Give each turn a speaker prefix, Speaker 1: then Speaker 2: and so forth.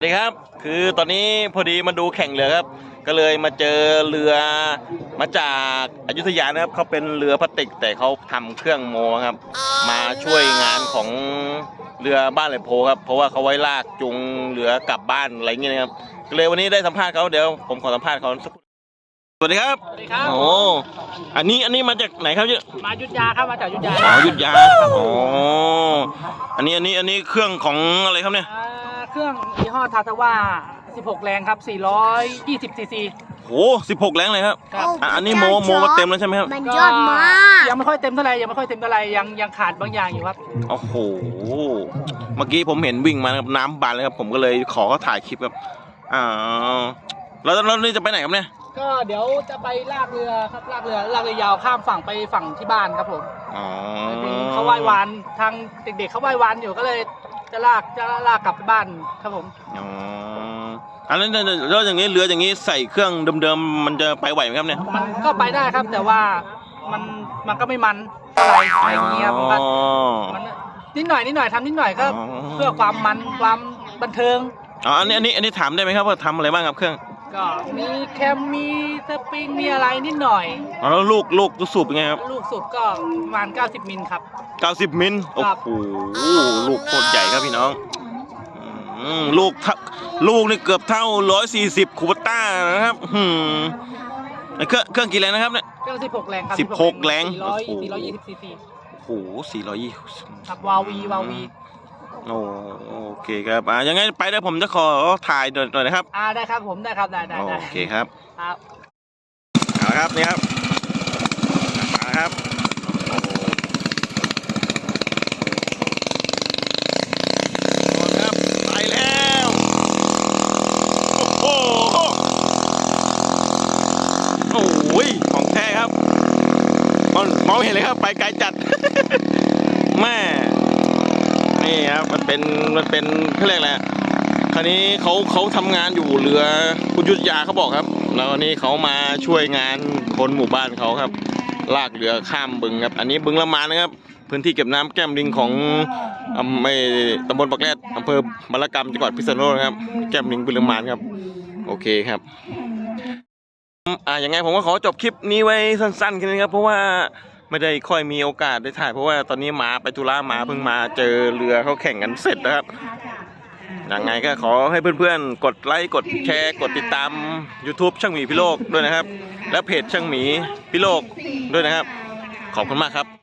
Speaker 1: สวัสดีครับคือตอนนี้พอดีมาดูแข่งเรือครับก็เลยมาเจอเรือมาจากอยุธยานะครับเขาเป็นเรือพลาสติกแต่เขาทำเครื่องโมครับมาช่วยงานของเรือบ้านไหลโพครับเพราะว่าเขาไว้ลากจูงเรือกลับบ้านอะไรเงี้ยนะครับก็เลยวันนี้ได้สัมภาษณ์เขาเดี๋ยวผมขอสัมภาษณ์เขาสักสวัสดีครับ
Speaker 2: สวัสดีครับ
Speaker 1: โอ้อันนี้มาจากไหนครับเนี่ย
Speaker 2: มายุทธยาครับมาจากยุทธยา
Speaker 1: ยุทธยาอ๋ออันนี้เครื่องของอะไรครับเนี่ย
Speaker 2: เครื่องยี่ห้อทาทาว่า16 แรงครับ420ซีซี
Speaker 1: โอ้16 แรงเลยครับอันนี้โมมาเต็มแล้วใช่ไหมครับ
Speaker 3: มันยอดมาก
Speaker 2: ยังไม่ค่อยเต็มเท่าไหร่ยังขาดบางอย่างอยู่ครับ
Speaker 1: โอ้โหเมื่อกี้ผมเห็นวิ่งมาครับน้ำบานเลยครับผมก็เลยขอเขาถ่ายคลิปครับแล้วนี่จะไปไหนครับเนี่ย
Speaker 2: ก็เดี๋ยวจะไปลากเรือครับลากเรือยาวข้ามฝั่งไปฝั่งที่บ้านครับผมเขาว่ายวานทางเด็กๆเขาว่ายวานอยู่ก็เลยจะลากกลับไปบ้านครับผม
Speaker 1: แล้วอย่างนี้เรืออย่างนี้ใส่เครื่องเดิมๆมันจะไปไหวไหมครับเนี่ย
Speaker 2: มันก็ไปได้ครับแต่ว่ามันก็ไม่มันอะไรอย่างเงี้ยมันนิดหน่อยทำนิดหน่อยก็เพื่อความมันความบันเทิง
Speaker 1: อันนี้ถามได้ไหมครับว่าทำอะไรบ้างครับเครื่อง
Speaker 2: ก็มีแคมมีสปริงมีอะไรนิดหน่อย
Speaker 1: แล้วลูกสูบเป็นไงครับ
Speaker 2: ลูกสูบก็ประมาณ90 มิลครับ
Speaker 1: 90 มิลโอ้โหลูกโคตรใหญ่ครับพี่น้องลูกนี่เกือบเท่า140คูปต้านะครับเครื่องกี่แรงนะครับเนี่ย
Speaker 2: เครื่อง16 แรงครับ
Speaker 1: 16 แรง
Speaker 2: 420ซีซี
Speaker 1: โอ้โห420
Speaker 2: ครับวาวี
Speaker 1: โอเคครับยังไงไปได้ผมจะขอถ่ายหน่อยนะครับ
Speaker 2: ได้ครับผมได้ครับได้
Speaker 1: โอเคครับ
Speaker 2: ครับ
Speaker 1: เอาละครับนี่ครับมาครับครับไปแล้วโอ้โหของแท้ครับมองเห็นเลยครับไปไกลจัดแม่นี่ครับมันเป็นเขาเรียกอะไรคราวนี้เขาทำงานอยู่เรือคุณยุทธยาเขาบอกครับแล้วนี่เขามาช่วยงานคนหมู่บ้านเขาครับลากเรือข้ามบึงครับอันนี้บึงละมานนะครับพื้นที่เก็บน้ำแก้มลิงของตำบลปากแรดอำเภอบารกรรมจังหวัดพิษณุโลกครับแก้มลิงบึงละมานครับโอเคครับยังไงผมก็ขอจบคลิปนี้ไว้สั้นๆแค่นี้ครับเพราะว่าไม่ได้ค่อยมีโอกาสได้ถ่ายเพราะว่าตอนนี้มาไปธุระมาเพิ่งมาเจอเรือเขาแข่งกันเสร็จนะครับยังไงก็ขอให้เพื่อนๆกดไลค์กดแชร์กดติดตาม YouTube ช่างหมีพิโลกด้วยนะครับและเพจช่างหมีพิโลกด้วยนะครับขอบคุณมากครับ